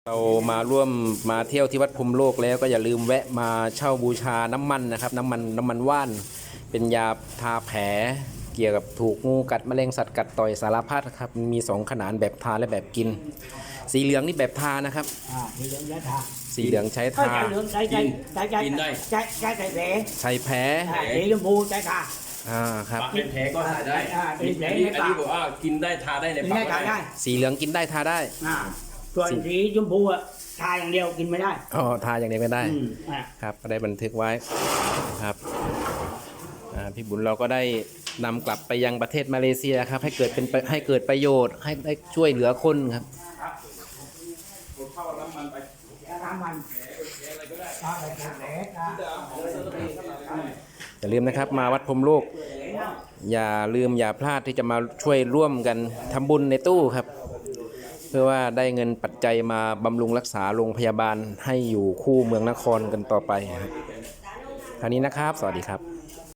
เรามาร่วมมาเที่ยวที่วัดพรหมโลกแล้วก็อย่าลืมแวะมาเช่าบูชาน้ำมันนะครับน้ำมันว่านเป็นยาทาแผลเกี่ยวกับถูกงูกัดแมลงสัตว์กัดต่อยสารพัดครับมี2ขนาดแบบทาและแบบกินสีเหลืองนี่แบบทานะครับสีเหลืองใช้ทาสีเหลืองใช้ทาเหลืองใช้กินได้ใช้แผลใช้แผลสีชมพูใช้ทาครับเป็นแผลก็ทาได้อันนี้บอกว่ากินได้ทาได้ในปากได้สีเหลืองกินได้ทาได้ส่วนสีชมพูทาอย่างเดียวกินไม่ได้ทาอย่างเดียวไม่ได้ครับก็ได้บันทึกไว้ครับพี่บุญเราก็ได้นำกลับไปยังประเทศมาเลเซียครับให้เกิดประโยชน์ให้ได้ช่วยเหลือคนครับอย่าลืมนะครับมาวัดพรหมโลกอย่าพลาดที่จะมาช่วยร่วมกันทำบุญในตู้ครับเพื่อว่าได้เงินปัจจัยมาบำรุงรักษาโรงพยาบาลให้อยู่คู่เมืองนครกันต่อไปครับคราวนี้นะครับสวัสดีครับ